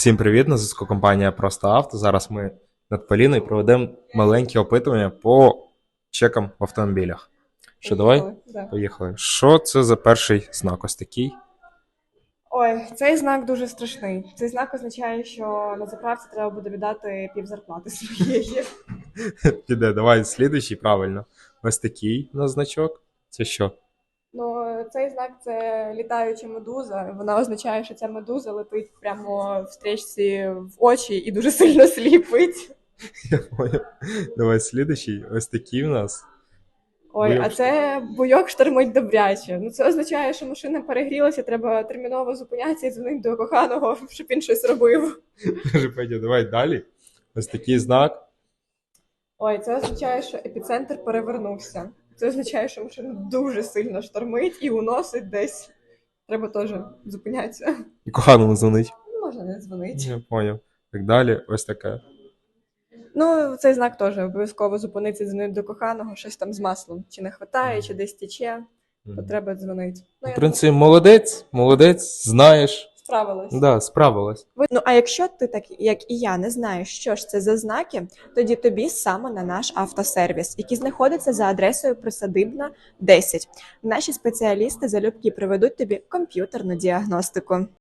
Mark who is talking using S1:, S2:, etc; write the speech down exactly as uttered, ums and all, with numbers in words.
S1: Всім привіт, на зв'язку компанія Просто Авто. Зараз ми над Поліною проведемо маленьке опитування по чекам в автомобілях. Що, давай?
S2: Поїхали, да.
S1: Поїхали. Що це за перший знак? Ось такий.
S2: Ой, цей знак дуже страшний. Цей знак означає, що на заправці треба буде віддати пів зарплати своєї.
S1: Піде, давай, слідуючий, правильно. Ось такий у нас значок. Це що?
S2: Ну, цей знак це літаюча медуза. Вона означає, що ця медуза летить прямо в стрічці в очі і дуже сильно сліпить.
S1: Я понял. Давай, слідуючий. Ось такий у нас.
S2: Ой,
S1: Буйок
S2: а це буйок штормить добряче. Ну це означає, що машина перегрілася, треба терміново зупинятися і дзвонити до коханого, щоб він щось робив.
S1: Каже, Петя, давай далі. Ось такий знак.
S2: Ой, це означає, що епіцентр перевернувся. Це означає, що машина дуже сильно штормить і уносить десь. Треба теж зупинятися.
S1: І коханому дзвонить.
S2: Ну, можна не дзвонити.
S1: Я поняв. Так далі, ось таке.
S2: Ну, цей знак теж обов'язково зупинитися, дзвонити до коханого, щось там з маслом. Чи не хватає, чи десь тече, то треба дзвонити. Ну,
S1: В
S2: я
S1: принципі, молодець, молодець, знаєш.
S2: справилась.
S1: Да, справилась.
S2: Ну, а якщо ти, так як і я, не знаєш, що ж це за знаки, тоді тобі саме на наш автосервіс, який знаходиться за адресою Присадибна, десять. Наші спеціалісти залюбки проведуть тобі комп'ютерну діагностику.